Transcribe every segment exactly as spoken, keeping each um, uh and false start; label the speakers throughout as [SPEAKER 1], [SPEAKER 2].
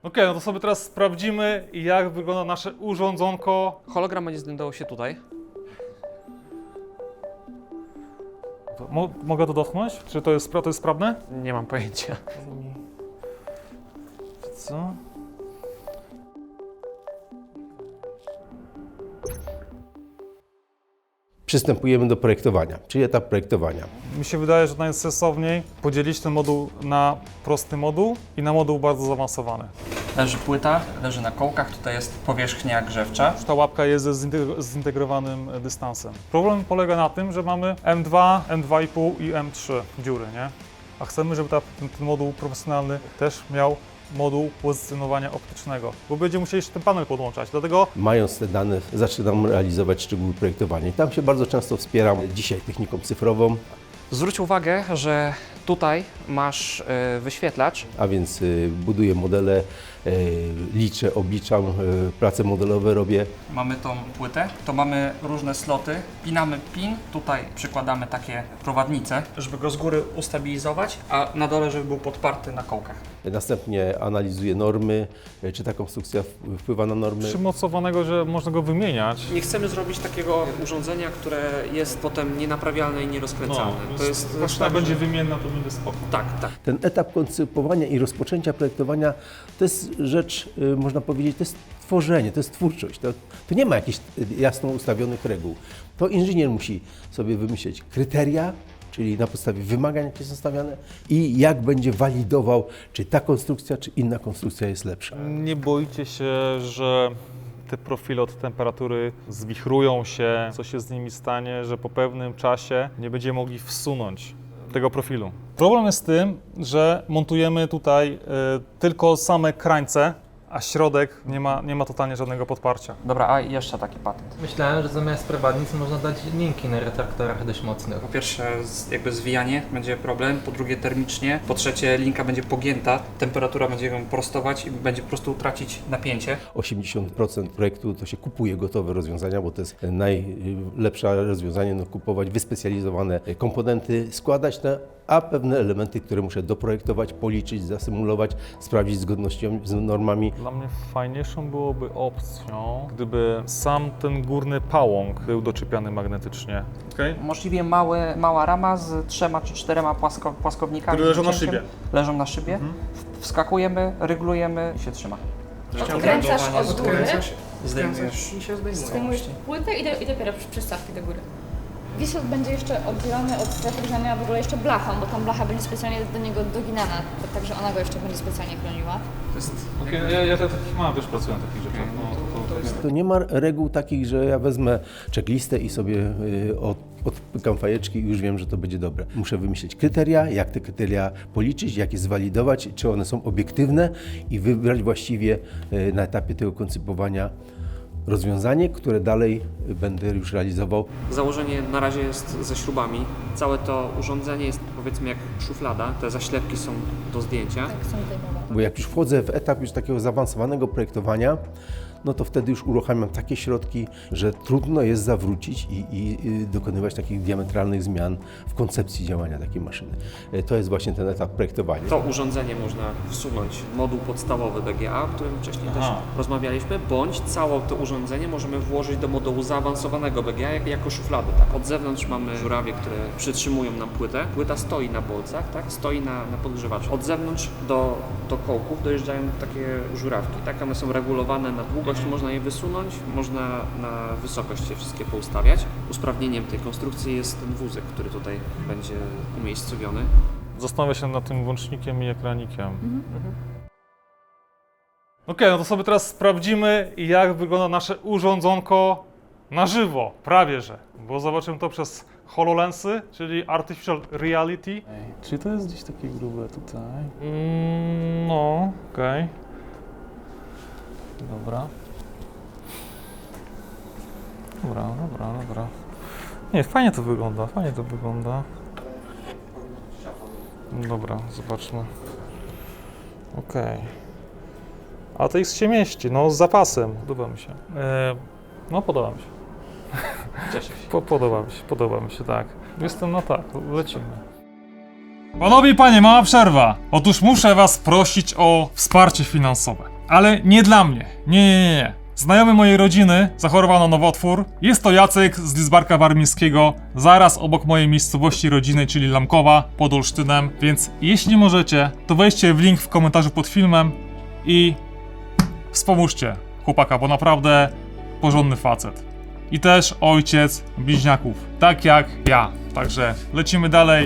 [SPEAKER 1] Ok, no to sobie teraz sprawdzimy, jak wygląda nasze urządzonko.
[SPEAKER 2] Hologram będzie znajdował się tutaj.
[SPEAKER 1] To mo mogę to dotknąć? Czy to jest, to jest sprawne?
[SPEAKER 2] Nie mam pojęcia.
[SPEAKER 1] Co?
[SPEAKER 3] Przystępujemy do projektowania, czyli etap projektowania.
[SPEAKER 1] Mi się wydaje, że najsensowniej podzielić ten moduł na prosty moduł i na moduł bardzo zaawansowany.
[SPEAKER 2] Leży płyta, leży na kołkach, tutaj jest powierzchnia grzewcza.
[SPEAKER 1] Ta łapka jest ze zintegro zintegrowanym dystansem. Problem polega na tym, że mamy M dwa, M dwa i pół i M trzy dziury, nie? A chcemy, żeby ta, ten, ten moduł profesjonalny też miał moduł pozycjonowania optycznego, bo będziemy musieli jeszcze ten panel podłączać, dlatego
[SPEAKER 3] Mając te dane, zaczynam realizować szczegóły projektowania. I tam się bardzo często wspieram dzisiaj techniką cyfrową,
[SPEAKER 2] Zwróć uwagę, że tutaj masz y, wyświetlacz.
[SPEAKER 3] a więc y, buduję modele, y, liczę, obliczam, y, prace modelowe robię.
[SPEAKER 2] Mamy tą płytę, to mamy różne sloty. Pinamy pin, tutaj przykładamy takie prowadnice, żeby go z góry ustabilizować, a na dole, żeby był podparty na kołkach.
[SPEAKER 3] Następnie analizuję normy, y, czy ta konstrukcja w- wpływa na normy.
[SPEAKER 1] przymocowanego, że można go wymieniać.
[SPEAKER 2] Nie chcemy zrobić takiego urządzenia, które jest potem nienaprawialne i nierozkręcalne. to jest
[SPEAKER 1] właśnie
[SPEAKER 2] tak,
[SPEAKER 1] tak, będzie
[SPEAKER 2] że-
[SPEAKER 1] wymienna, to będzie spoko.
[SPEAKER 2] Tak, tak.
[SPEAKER 3] Ten etap koncypowania i rozpoczęcia projektowania to jest rzecz, y, można powiedzieć, to jest tworzenie, to jest twórczość. To, to nie ma jakichś y, jasno ustawionych reguł. To inżynier musi sobie wymyśleć kryteria, czyli na podstawie wymagań, jakie są stawiane i jak będzie walidował, czy ta konstrukcja, czy inna konstrukcja jest lepsza.
[SPEAKER 1] Nie boicie się, że te profile od temperatury zwichrują się, co się z nimi stanie, że po pewnym czasie nie będziemy mogli wsunąć tego profilu. Problem jest z tym, że montujemy tutaj y, tylko same krańce, a środek nie ma, nie ma totalnie żadnego podparcia.
[SPEAKER 2] Dobra, a jeszcze taki patent.
[SPEAKER 4] Myślałem, że zamiast prowadnic można dać linki na retraktorach dość mocnych.
[SPEAKER 2] Po pierwsze, z- jakby zwijanie będzie problem, po drugie termicznie, po trzecie linka będzie pogięta, temperatura będzie ją prostować i będzie po prostu tracić napięcie.
[SPEAKER 3] osiemdziesiąt procent projektu to się kupuje gotowe rozwiązania, bo to jest najlepsze rozwiązanie, no, kupować wyspecjalizowane komponenty, składać te, a pewne elementy, które muszę doprojektować, policzyć, zasymulować, sprawdzić zgodnością z normami.
[SPEAKER 1] Dla mnie fajniejszą byłoby opcją, gdyby sam ten górny pałąk był doczepiany magnetycznie. Okay?
[SPEAKER 2] Możliwie mały, mała rama z trzema czy czterema płasko, płaskownikami.
[SPEAKER 1] Które leżą
[SPEAKER 2] z
[SPEAKER 1] na
[SPEAKER 2] wycięciem.
[SPEAKER 1] szybie.
[SPEAKER 2] Leżą na szybie, w- wskakujemy, ryglujemy i się trzyma.
[SPEAKER 5] Odkręcasz od góry,
[SPEAKER 2] Zdejmujesz.
[SPEAKER 5] zdejmujesz płytę i, do, i dopiero przystawki do góry. Wisot będzie jeszcze oddzielony od strefy grzania w ogóle jeszcze blachą, bo tam blacha będzie specjalnie do niego doginana, także ona go jeszcze będzie specjalnie chroniła.
[SPEAKER 2] To jest
[SPEAKER 1] Okay, ja, ja takich mam, też pracuję na takich rzeczach. No, to, to, to,
[SPEAKER 3] To nie ma reguł takich, że ja wezmę checklistę i sobie y, od, odpykam fajeczki i już wiem, że to będzie dobre. Muszę wymyślić kryteria, jak te kryteria policzyć, jak je zwalidować, czy one są obiektywne i wybrać właściwie y, na etapie tego koncypowania rozwiązanie, które dalej będę już realizował.
[SPEAKER 2] Założenie na razie jest ze śrubami. Całe to urządzenie jest, powiedzmy, jak szuflada. Te zaślepki są do zdjęcia.
[SPEAKER 5] Tak są zdejmowane.
[SPEAKER 3] Bo jak już wchodzę w etap już takiego zaawansowanego projektowania, no to wtedy już uruchamiam takie środki, że trudno jest zawrócić i, i, i dokonywać takich diametralnych zmian w koncepcji działania takiej maszyny. E, To jest właśnie ten etap projektowania.
[SPEAKER 2] To urządzenie można wsunąć, moduł podstawowy B G A, o którym wcześniej
[SPEAKER 1] Aha.
[SPEAKER 2] też rozmawialiśmy, bądź całe to urządzenie możemy włożyć do modułu zaawansowanego B G A jak, jako szuflady. Tak. Od zewnątrz mamy żurawie, które przytrzymują nam płytę. Płyta stoi na bolcach, tak? Stoi na, na podgrzewaczu. Od zewnątrz do, do kołków dojeżdżają takie żurawki. Tak? One są regulowane na długość, można je wysunąć, można na wysokość je wszystkie poustawiać. Usprawnieniem tej konstrukcji jest ten wózek, który tutaj będzie umiejscowiony.
[SPEAKER 1] Zastanawia się nad tym włącznikiem i ekranikiem. Ok, no to sobie teraz sprawdzimy, jak wygląda nasze urządzonko na żywo, prawie że. Bo zobaczymy to przez HoloLensy, czyli Artificial Reality. Czy to jest gdzieś takie grube tutaj? Mm, no, okej. Dobra. Dobra, dobra, dobra. Nie, fajnie to wygląda, fajnie to wygląda. Dobra, zobaczmy. Okej. A to X się mieści, no z zapasem. Podoba mi się. E, no podoba mi się.
[SPEAKER 2] Cieszę się.
[SPEAKER 1] Po, podoba mi się, podoba mi się, tak. Jestem, no tak, lecimy. Panowie i panie, mała przerwa. Otóż muszę was prosić o wsparcie finansowe. Ale nie dla mnie. Nie, nie, nie, nie. Znajomy mojej rodziny zachorował na nowotwór. Jest to Jacek z Lidzbarka Warmińskiego, zaraz obok mojej miejscowości rodzinnej, czyli Lamkowa, pod Olsztynem. Więc jeśli możecie, to wejdźcie w link w komentarzu pod filmem i wspomóżcie chłopaka, bo naprawdę porządny facet. I też ojciec bliźniaków, tak jak ja. Także lecimy dalej.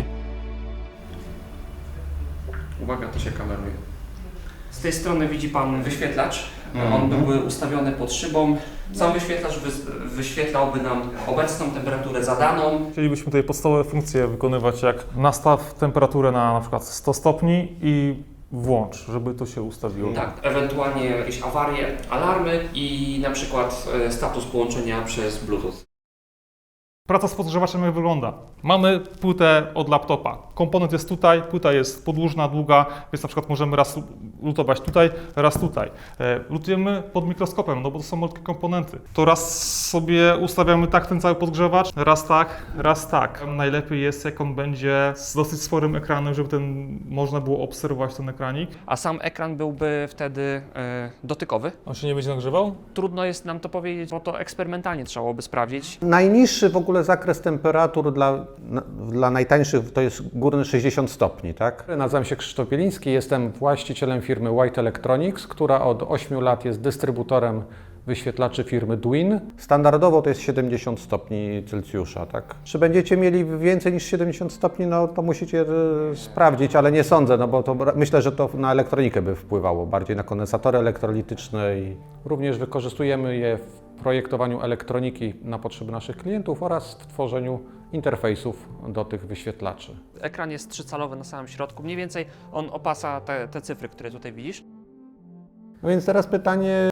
[SPEAKER 2] Uwaga, to się kameruje. Z tej strony widzi Pan wyświetlacz. On byłby ustawiony pod szybą. Sam wyświetlacz wy- wyświetlałby nam obecną temperaturę zadaną.
[SPEAKER 1] Chcielibyśmy tutaj podstawowe funkcje wykonywać, jak nastaw temperaturę na na przykład sto stopni i włącz, żeby to się ustawiło.
[SPEAKER 2] Tak, ewentualnie jakieś awarie, alarmy i na przykład e, status połączenia przez Bluetooth.
[SPEAKER 1] Praca z podgrzewaczem jak wygląda? Mamy płytę od laptopa. Komponent jest tutaj, płyta jest podłużna, długa, więc na przykład możemy raz lutować tutaj, raz tutaj. E, lutujemy pod mikroskopem, no bo to są malutkie komponenty. To raz sobie ustawiamy tak ten cały podgrzewacz, raz tak, raz tak. Najlepiej jest, jak on będzie z dosyć sporym ekranem, żeby ten, można było obserwować ten ekranik.
[SPEAKER 2] A sam ekran byłby wtedy e, dotykowy.
[SPEAKER 1] On się nie będzie nagrzewał?
[SPEAKER 2] Trudno jest nam to powiedzieć, bo to eksperymentalnie trzeba byłoby sprawdzić.
[SPEAKER 3] Najniższy w ogóle zakres temperatur dla, na, dla najtańszych to jest górny sześćdziesiąt stopni, tak? Nazywam się Krzysztof Bieliński, jestem właścicielem firmy White Electronics, która od ośmiu lat jest dystrybutorem wyświetlaczy firmy Dwin. Standardowo to jest siedemdziesiąt stopni Celsjusza, tak? Czy będziecie mieli więcej niż siedemdziesiąt stopni, no to musicie e, sprawdzić, ale nie sądzę, no bo to myślę, że to na elektronikę by wpływało, bardziej na kondensatory elektrolityczne i również wykorzystujemy je w projektowaniu elektroniki na potrzeby naszych klientów oraz w tworzeniu interfejsów do tych wyświetlaczy.
[SPEAKER 2] Ekran jest trzycalowy na samym środku. Mniej więcej on opasa te, te cyfry, które tutaj widzisz.
[SPEAKER 3] No więc teraz pytanie,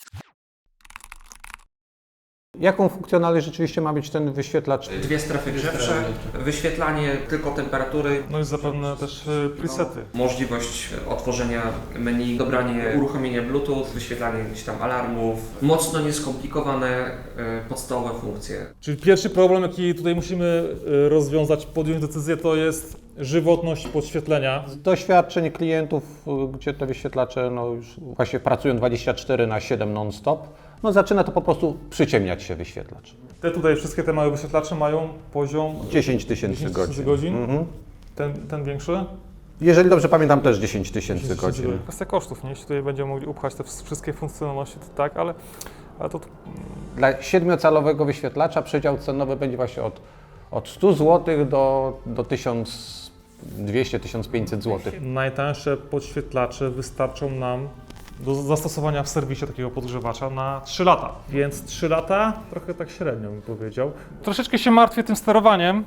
[SPEAKER 3] jaką funkcjonalność rzeczywiście ma być ten wyświetlacz?
[SPEAKER 2] Dwie strefy grzewcze, wyświetlanie tylko temperatury,
[SPEAKER 1] No i zapewne też e, presety.
[SPEAKER 2] możliwość otworzenia menu, dobranie uruchomienia Bluetooth, wyświetlanie jakichś tam alarmów, mocno nieskomplikowane e, podstawowe funkcje.
[SPEAKER 1] Czyli pierwszy problem, jaki tutaj musimy e, rozwiązać, podjąć decyzję, to jest żywotność podświetlenia.
[SPEAKER 3] Z doświadczeń klientów, gdzie te wyświetlacze no już właśnie pracują dwadzieścia cztery na siedem non-stop, no zaczyna to po prostu przyciemniać się wyświetlacz.
[SPEAKER 1] Te tutaj wszystkie te małe wyświetlacze mają poziom
[SPEAKER 3] dziesięć tysięcy godzin.
[SPEAKER 1] godzin.
[SPEAKER 3] Mhm.
[SPEAKER 1] Ten, ten większy?
[SPEAKER 3] Jeżeli dobrze pamiętam, też dziesięć tysięcy godzin.
[SPEAKER 1] Kwestia kosztów, nie? Jeśli tutaj będziemy mogli upchać te wszystkie funkcjonalności, to tak, ale, ale to
[SPEAKER 3] Dla siedmiocalowego wyświetlacza przedział cenowy będzie właśnie od, od stu złotych do, do tysiąc dwieście do tysiąc pięćset złotych.
[SPEAKER 1] najtańsze podświetlacze wystarczą nam do zastosowania w serwisie takiego podgrzewacza na trzy lata. Więc trzy lata, trochę tak średnio bym powiedział. Troszeczkę się martwię tym sterowaniem.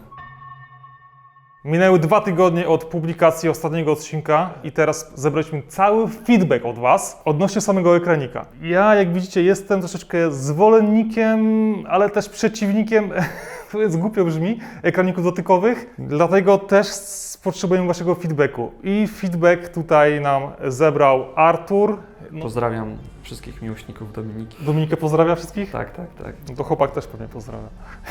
[SPEAKER 1] Minęły dwa tygodnie od publikacji ostatniego odcinka i teraz zebraliśmy cały feedback od Was odnośnie samego ekranika. Ja, jak widzicie, jestem troszeczkę zwolennikiem, ale też przeciwnikiem, to jest głupio brzmi, ekraników dotykowych, dlatego też potrzebujemy Waszego feedbacku. I feedback tutaj nam zebrał Artur. No,
[SPEAKER 2] Pozdrawiam wszystkich miłośników Dominiki.
[SPEAKER 1] Dominikę pozdrawia wszystkich?
[SPEAKER 2] Tak, tak, tak.
[SPEAKER 1] No to chłopak też pewnie pozdrawia.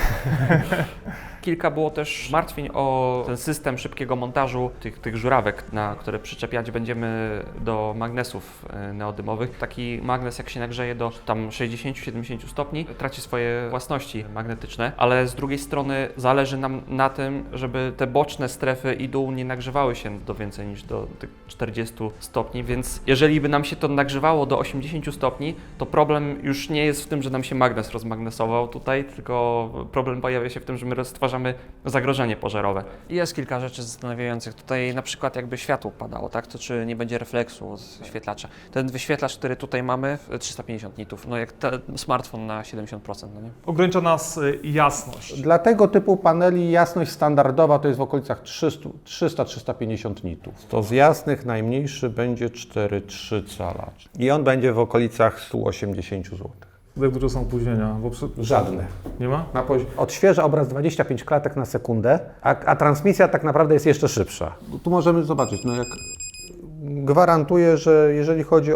[SPEAKER 2] Kilka było też martwień o ten system szybkiego montażu tych, tych żurawek, na które przyczepiać będziemy do magnesów e, neodymowych. Taki magnes, jak się nagrzeje do tam sześćdziesiąt do siedemdziesięciu stopni, traci swoje własności magnetyczne, ale z drugiej strony zależy nam na tym, żeby te boczne strefy i dół nie nagrzewały się do więcej niż do tych czterdziestu stopni, więc jeżeli by nam się to nagrzewało do osiemdziesięciu stopni, to problem już nie jest w tym, że nam się magnes rozmagnesował tutaj, tylko problem pojawia się w tym, że my stwarzamy zagrożenie pożarowe. Jest kilka rzeczy zastanawiających. Tutaj na przykład jakby światło padało, tak? To czy nie będzie refleksu od wyświetlacza. Ten wyświetlacz, który tutaj mamy, trzysta pięćdziesiąt nitów, no jak ten smartfon na siedemdziesiąt procent, no nie?
[SPEAKER 1] Ogranicza nas y, jasność.
[SPEAKER 3] Dla tego typu paneli jasność standardowa to jest w okolicach trzysta do trzystu pięćdziesięciu nitów. To z jasnych najmniejszy będzie cztery przecinek trzy cala. I on będzie w okolicach stu osiemdziesięciu złotych.
[SPEAKER 1] Jak dużo są opóźnienia? Bo przy...
[SPEAKER 3] Żadne.
[SPEAKER 1] Nie ma?
[SPEAKER 3] Na pozi- odświeża obraz dwadzieścia pięć klatek na sekundę, a, a transmisja tak naprawdę jest jeszcze szybsza. Tu możemy zobaczyć, no jak gwarantuję, że jeżeli chodzi o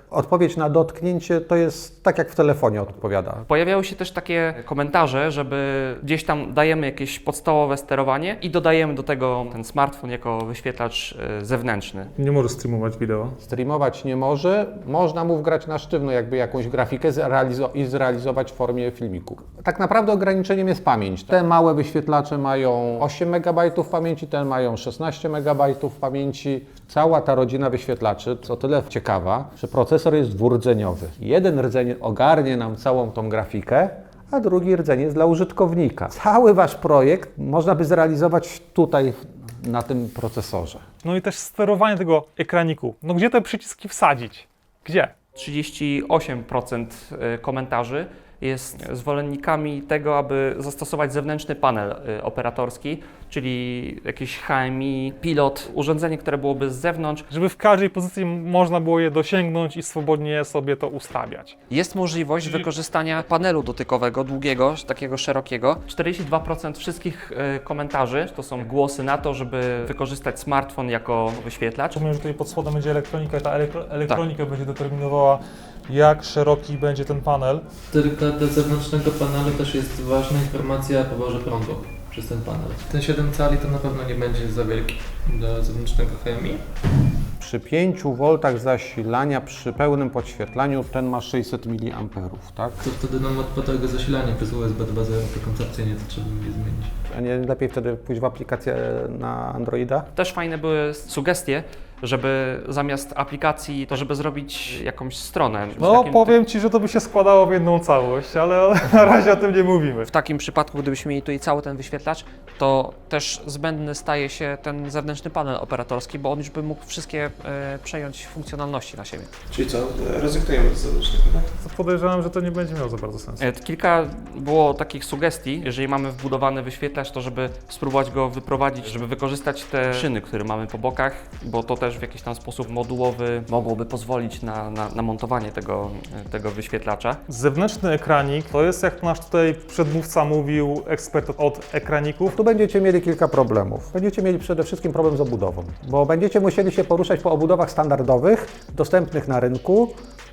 [SPEAKER 6] Odpowiedź na dotknięcie to jest tak, jak w telefonie odpowiada.
[SPEAKER 2] Pojawiały się też takie komentarze, żeby gdzieś tam dajemy jakieś podstawowe sterowanie i dodajemy do tego ten smartfon jako wyświetlacz y, zewnętrzny.
[SPEAKER 1] Nie może streamować wideo.
[SPEAKER 6] Streamować nie może, można mu wgrać na sztywno jakby jakąś grafikę zrealizo- i zrealizować w formie filmiku. Tak naprawdę ograniczeniem jest pamięć. Te małe wyświetlacze mają osiem megabajtów pamięci, te mają szesnaście megabajtów pamięci. Cała ta rodzina wyświetlaczy, co tyle ciekawa, że procesor jest dwurdzeniowy. Jeden rdzeń ogarnie nam całą tą grafikę, a drugi rdzeń jest dla użytkownika. Cały wasz projekt można by zrealizować tutaj na tym procesorze.
[SPEAKER 1] No i też sterowanie tego ekraniku. No gdzie te przyciski wsadzić? Gdzie?
[SPEAKER 2] trzydzieści osiem procent komentarzy jest zwolennikami tego, aby zastosować zewnętrzny panel y, operatorski, czyli jakieś H M I, pilot, urządzenie, które byłoby z zewnątrz.
[SPEAKER 1] Żeby w każdej pozycji można było je dosięgnąć i swobodnie sobie to ustawiać.
[SPEAKER 2] Jest możliwość wykorzystania panelu dotykowego, długiego, takiego szerokiego. czterdzieści dwa procent wszystkich y, komentarzy to są głosy na to, żeby wykorzystać smartfon jako wyświetlacz.
[SPEAKER 1] Rozumiem, że tutaj pod spodem będzie elektronika i ta elektro- elektronika będzie determinowała, jak szeroki będzie ten panel.
[SPEAKER 4] Tylko dla zewnętrznego panelu też jest ważna informacja o poborze prądu przez ten panel. Ten siedem cali to na pewno nie będzie za wielki dla zewnętrznego H M I.
[SPEAKER 6] Przy pięciu woltach zasilania, przy pełnym podświetlaniu, ten ma sześćset miliamperów, tak?
[SPEAKER 4] To wtedy nam odpada tego zasilanie przez U S B dwa zero, to koncepcyjnie to trzeba by je zmienić.
[SPEAKER 6] A nie lepiej wtedy pójść w aplikację na Androida?
[SPEAKER 2] Też fajne były sugestie, żeby zamiast aplikacji, to żeby zrobić jakąś stronę. W
[SPEAKER 1] No
[SPEAKER 2] takim-
[SPEAKER 1] powiem Ci, że to by się składało w jedną całość, ale na razie o tym nie mówimy.
[SPEAKER 2] W takim przypadku, gdybyśmy mieli tutaj cały ten wyświetlacz, to też zbędny staje się ten zewnętrzny panel operatorski, bo on już by mógł wszystkie e, przejąć funkcjonalności na siebie.
[SPEAKER 7] Czyli co, rezygnujemy z zewnętrznego, tak?
[SPEAKER 1] Podejrzewam, że to nie będzie miało za bardzo sensu.
[SPEAKER 2] E, Kilka było takich sugestii, jeżeli mamy wbudowany wyświetlacz, to żeby spróbować go wyprowadzić, żeby wykorzystać te szyny, które mamy po bokach, bo to też w jakiś tam sposób modułowy mogłoby pozwolić na, na, na montowanie tego, e, tego wyświetlacza.
[SPEAKER 1] Zewnętrzny ekranik to jest, jak nasz tutaj przedmówca mówił, ekspert od ekraników.
[SPEAKER 6] Tu będziecie mieli kilka problemów. Będziecie mieli przede wszystkim problem z obudową, bo będziecie musieli się poruszać po obudowach standardowych, dostępnych na rynku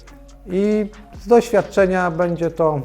[SPEAKER 6] i z doświadczenia będzie to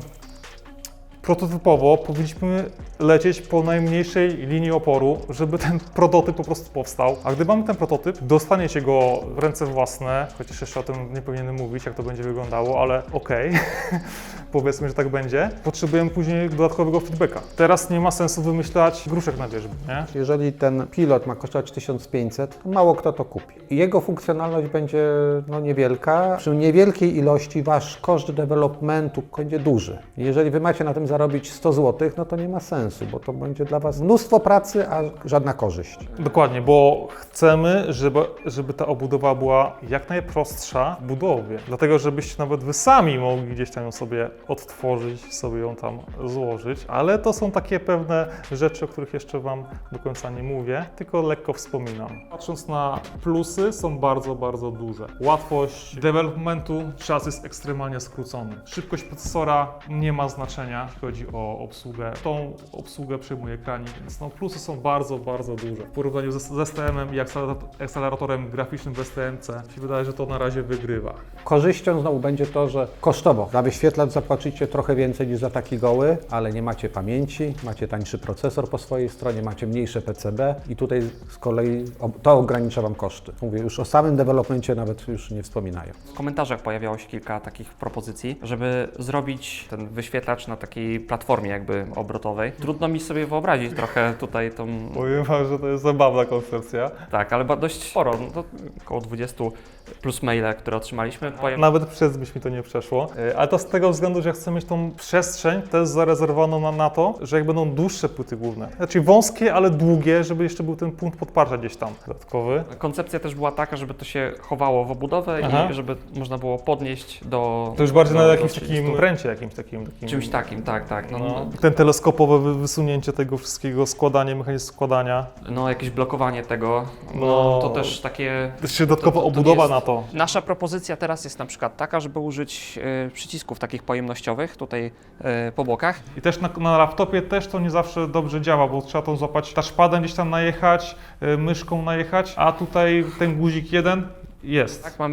[SPEAKER 1] Prototypowo powinniśmy lecieć po najmniejszej linii oporu, żeby ten prototyp po prostu powstał. A gdy mamy ten prototyp, dostaniecie go w ręce własne, chociaż jeszcze o tym nie powinienem mówić, jak to będzie wyglądało, ale okej, powiedzmy, że tak będzie. Potrzebujemy później dodatkowego feedbacka. Teraz nie ma sensu wymyślać gruszek na wierzbie, nie?
[SPEAKER 6] jeżeli ten pilot ma kosztować tysiąc pięćset, to mało kto to kupi. I jego funkcjonalność będzie no, niewielka. Przy niewielkiej ilości wasz koszt developmentu będzie duży. Jeżeli wy macie na tym zarobić sto złotych, no to nie ma sensu, bo to będzie dla was mnóstwo pracy, a żadna korzyść.
[SPEAKER 1] Dokładnie, bo chcemy, żeby, żeby ta obudowa była jak najprostsza w budowie. Dlatego, żebyście nawet wy sami mogli gdzieś tam ją sobie odtworzyć, sobie ją tam złożyć. Ale to są takie pewne rzeczy, o których jeszcze Wam do końca nie mówię, tylko lekko wspominam. Patrząc na plusy, są bardzo, bardzo duże. Łatwość developmentu, czas jest ekstremalnie skrócony. Szybkość procesora nie ma znaczenia, jeśli chodzi o obsługę. Tą obsługę przyjmuje ekranik, więc no, plusy są bardzo, bardzo duże. W porównaniu ze, z S T M-em i akceleratorem graficznym w S T M C, mi się wydaje, że to na razie wygrywa.
[SPEAKER 6] Korzyścią znowu będzie to, że kosztowo za wyświetlacz zapłacicie trochę więcej niż za taki goły, ale nie macie pamięci, macie tańszy procesor po swojej stronie, macie mniejsze P C B i tutaj z kolei to ogranicza Wam koszty. Mówię, już o samym developmencie nawet już nie wspominają.
[SPEAKER 2] W komentarzach pojawiało się kilka takich propozycji, żeby zrobić ten wyświetlacz na takiej platformie jakby obrotowej. Trudno mi sobie wyobrazić trochę tutaj tą...
[SPEAKER 1] Powiem Wam, że to jest zabawna koncepcja.
[SPEAKER 2] Tak, ale ba- dość sporo, no to około dwadzieścia plus maile, które otrzymaliśmy. Pojawi-
[SPEAKER 1] Nawet przez myśl mi to nie przeszło, Yy, ale to z tego względu, że chcę mieć tą przestrzeń też zarezerwowaną na, na to, że jak będą dłuższe płyty główne, znaczy wąskie, ale długie, żeby jeszcze był ten punkt podparcia gdzieś tam dodatkowy.
[SPEAKER 2] Koncepcja też była taka, żeby to się chowało w obudowę
[SPEAKER 1] Aha.
[SPEAKER 2] i żeby można było podnieść do...
[SPEAKER 1] To już bardziej
[SPEAKER 2] do,
[SPEAKER 1] na
[SPEAKER 2] do
[SPEAKER 1] jakimś
[SPEAKER 2] trzydziestu.
[SPEAKER 1] takim ręcie, jakimś takim. takim
[SPEAKER 2] Czymś takim, tak, tak. No,
[SPEAKER 1] No,
[SPEAKER 2] no,
[SPEAKER 1] ten teleskopowe wy- wysunięcie tego wszystkiego, składanie, mechanizm składania.
[SPEAKER 2] no jakieś blokowanie tego, no,
[SPEAKER 1] No.
[SPEAKER 2] to też takie...
[SPEAKER 1] Jeszcze dodatkowa
[SPEAKER 2] to- to nie
[SPEAKER 1] obudowa
[SPEAKER 2] jest-
[SPEAKER 1] na to.
[SPEAKER 2] Nasza propozycja teraz jest na przykład taka, żeby użyć e, przycisków takich pojemnościowych tutaj e, po bokach.
[SPEAKER 1] I też na, na laptopie też to nie zawsze dobrze działa, bo trzeba tą złapać touchpadem, gdzieś tam najechać, y, myszką najechać, a tutaj ten guzik jeden jest.
[SPEAKER 2] Tak, mamy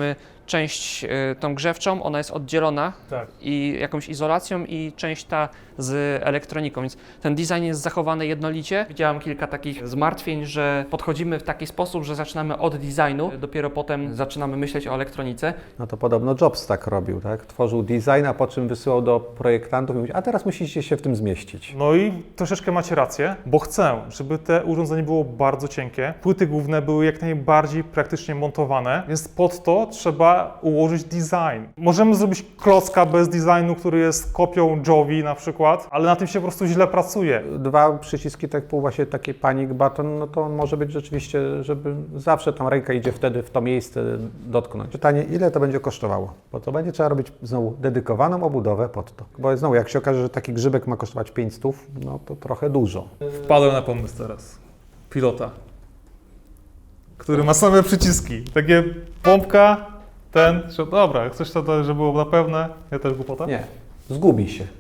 [SPEAKER 2] część y, tą grzewczą, ona jest oddzielona
[SPEAKER 1] Tak.
[SPEAKER 2] i jakąś izolacją i część ta z elektroniką, więc ten design jest zachowany jednolicie. Widziałem kilka takich zmartwień, że podchodzimy w taki sposób, że zaczynamy od designu, dopiero potem zaczynamy myśleć o elektronice.
[SPEAKER 6] No to podobno Jobs tak robił, tak? Tworzył design, a po czym wysyłał do projektantów i mówił, a teraz musicie się w tym zmieścić.
[SPEAKER 1] No i troszeczkę macie rację, bo chcę, żeby te urządzenie było bardzo cienkie. Płyty główne były jak najbardziej praktycznie montowane, więc pod to trzeba ułożyć design. Możemy zrobić klocka bez designu, który jest kopią Jovi na przykład, ale na tym się po prostu źle pracuje.
[SPEAKER 6] Dwa przyciski, tak pół właśnie taki panic button, no to może być rzeczywiście, żeby zawsze tam ręka idzie wtedy w to miejsce dotknąć. Pytanie, ile to będzie kosztowało? Bo to będzie trzeba robić znowu dedykowaną obudowę pod to. Bo znowu, jak się okaże, że taki grzybek ma kosztować pięć stów, no to trochę dużo.
[SPEAKER 1] Wpadłem na pomysł teraz. Pilota, który ma same przyciski. Takie pompka, ten, że dobra, chcesz to, żeby było na pewne? Ja też głupota?
[SPEAKER 6] Nie, zgubi się.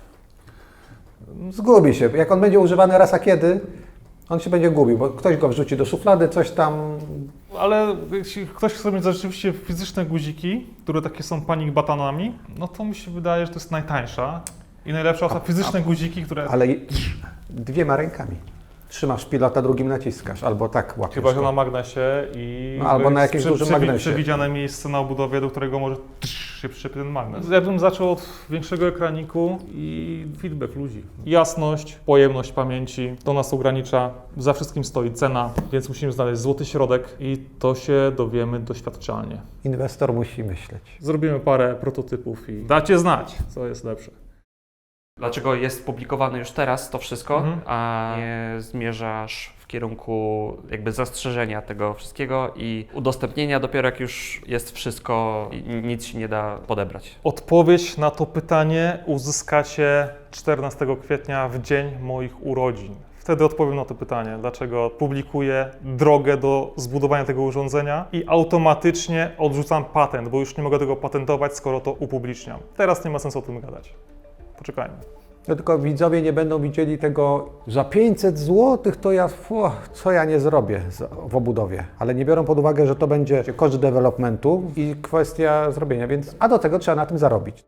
[SPEAKER 6] Zgubi się. Jak on będzie używany raz a kiedy, on się będzie gubił, bo ktoś go wrzuci do szuflady, coś tam.
[SPEAKER 1] Ale jeśli ktoś chce mieć rzeczywiście fizyczne guziki, które takie są panic buttonami, no to mi się wydaje, że to jest najtańsza i najlepsza są fizyczne guziki, które...
[SPEAKER 6] Ale dwiema rękami. Trzymasz pilota, drugim naciskasz, albo tak łapiesz
[SPEAKER 1] Chyba, że
[SPEAKER 6] go.
[SPEAKER 1] na magnesie i
[SPEAKER 6] No, albo na
[SPEAKER 1] jest
[SPEAKER 6] jakimś dużym magnesie.
[SPEAKER 1] przewidziane miejsce na obudowie, do którego może się przyczepi ten magnes. Ja bym zaczął od większego ekraniku i feedback ludzi. Jasność, pojemność pamięci, to nas ogranicza. Za wszystkim stoi cena, więc musimy znaleźć złoty środek i to się dowiemy doświadczalnie.
[SPEAKER 6] Inwestor musi myśleć.
[SPEAKER 1] Zrobimy parę prototypów i dacie znać, co jest lepsze.
[SPEAKER 2] Dlaczego jest publikowane już teraz to wszystko,
[SPEAKER 1] Mhm.
[SPEAKER 2] a nie zmierzasz w kierunku jakby zastrzeżenia tego wszystkiego i udostępnienia dopiero jak już jest wszystko i nic się nie da podebrać?
[SPEAKER 1] Odpowiedź na to pytanie uzyskacie czternastego kwietnia w dzień moich urodzin. Wtedy odpowiem na to pytanie, dlaczego publikuję drogę do zbudowania tego urządzenia i automatycznie odrzucam patent, bo już nie mogę tego patentować, skoro to upubliczniam. Teraz nie ma sensu o tym gadać. Poczekajmy.
[SPEAKER 6] No tylko widzowie nie będą widzieli tego, za pięćset złotych to ja, fu, co ja nie zrobię w obudowie. Ale nie biorą pod uwagę, że to będzie koszt developmentu i kwestia zrobienia, więc a do tego trzeba na tym zarobić.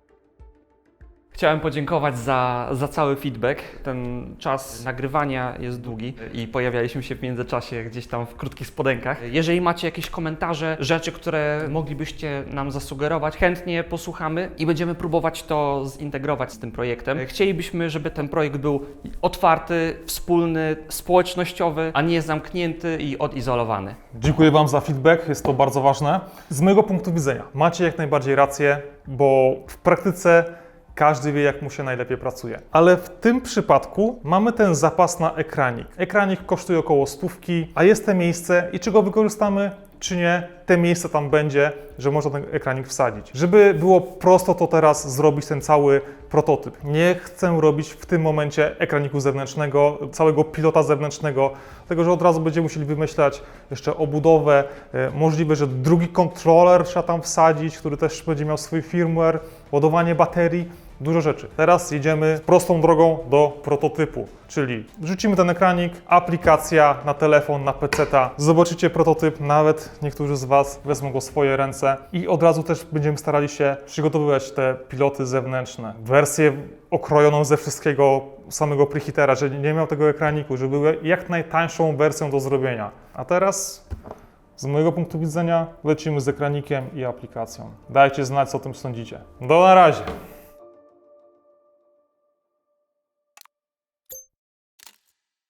[SPEAKER 2] Chciałem podziękować za, za cały feedback. Ten czas nagrywania jest długi i pojawialiśmy się w międzyczasie gdzieś tam w krótkich spodenkach. Jeżeli macie jakieś komentarze, rzeczy, które moglibyście nam zasugerować, chętnie posłuchamy i będziemy próbować to zintegrować z tym projektem. Chcielibyśmy, żeby ten projekt był otwarty, wspólny, społecznościowy, a nie zamknięty i odizolowany.
[SPEAKER 1] Dziękuję Wam za feedback, jest to bardzo ważne. Z mojego punktu widzenia macie jak najbardziej rację, bo w praktyce każdy wie, jak mu się najlepiej pracuje. Ale w tym przypadku mamy ten zapas na ekranik. Ekranik kosztuje około stówki, a jest to miejsce i czy go wykorzystamy, czy nie, te miejsce tam będzie, że można ten ekranik wsadzić. Żeby było prosto, to teraz zrobić ten cały prototyp. Nie chcę robić w tym momencie ekraniku zewnętrznego, całego pilota zewnętrznego, dlatego że od razu będziemy musieli wymyślać jeszcze obudowę. E, możliwe, że drugi kontroler trzeba tam wsadzić, który też będzie miał swój firmware, ładowanie baterii. Dużo rzeczy. Teraz jedziemy prostą drogą do prototypu, czyli wrzucimy ten ekranik, aplikacja na telefon, na peceta, zobaczycie prototyp, nawet niektórzy z Was wezmą go w swoje ręce i od razu też będziemy starali się przygotowywać te piloty zewnętrzne. Wersję okrojoną ze wszystkiego samego preheatera, że nie miał tego ekraniku, żeby były jak najtańszą wersją do zrobienia. A teraz z mojego punktu widzenia lecimy z ekranikiem i aplikacją. Dajcie znać, co o tym sądzicie. Do na razie!